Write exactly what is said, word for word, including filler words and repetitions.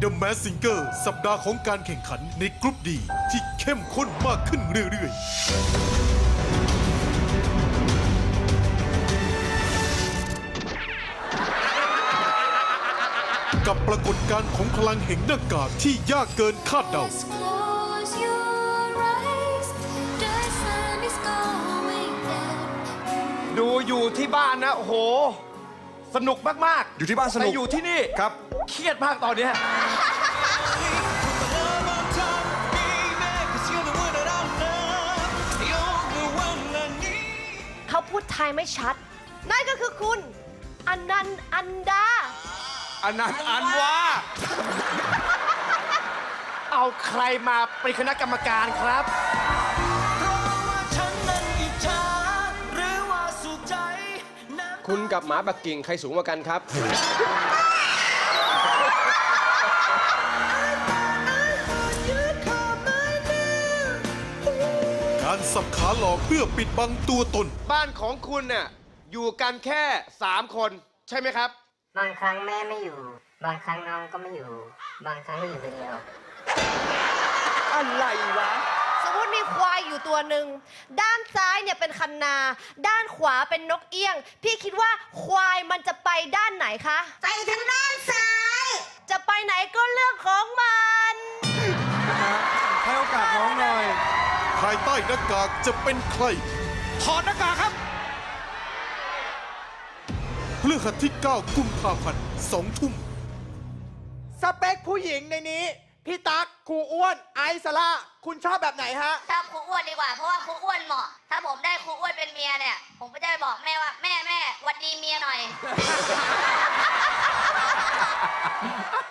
The Masked Singer สัปดาห์ของการแข่งขันในกรุ๊ปดีที่เข้มข้นมากขึ้นเรื่อยๆ กับปรากฏการณ์ของพลังแห่งหน้ากากที่ยากเกินคาดเดา Close your eyes, the sun is going down. ดูอยู่ที่บ้านนะโอ้โห สนุกมากๆอยู่ที่บ้านสนุกแต่อยู่ที่นี่ครับเครียดมากตอนเนี้ยเขาพูดไทยไม่ชัด นั่นก็คือคุณอนันต์อันดาอันนั้นอันว่า เอาใครมาเป็นคณะกรรมการครับคุณกับหมาปักกิ่งใครสูงกว่ากันครับการสับขาหลอกเพื่อปิดบังตัวตนบ้านของคุณเนี่ยอยู่กันแค่สามคน ใช่ไหมครับบางครั้งแม่ไม่อยู่ บางครั้งน้องก็ไม่อยู่ บางครั้งก็อยู่คนเดียวอะไรวะสมมติมีควายอยู่ตัวหนึ่ง ด้านซ้ายเนี่ยเป็นคันนา ด้านขวาเป็นนกเอี้ยง พี่คิดว่าควายมันจะไปด้านไหนคะไปทางด้านซ้ายจะไปไหนก็เรื่องของมันให้โอกาสน้องหน่อยภายใต้หน้ากากจะเป็นใครถอดหน้ากากครับพฤหัสที่เก้ากุมภาพันธ์สองทุ่มสเปคผู้หญิงในนี้ พี่ตั๊กครูอ้วน ไอซ์สละคุณชอบแบบไหนฮะชอบครูอ้วนดีกว่า เพราะว่าครูอ้วนเหมาะ ถ้าผมได้ครูอ้วนเป็นเมียเนี่ย ผมก็จะไปบอกแม่ว่าแม่แม่หวัดดีเมียหน่อย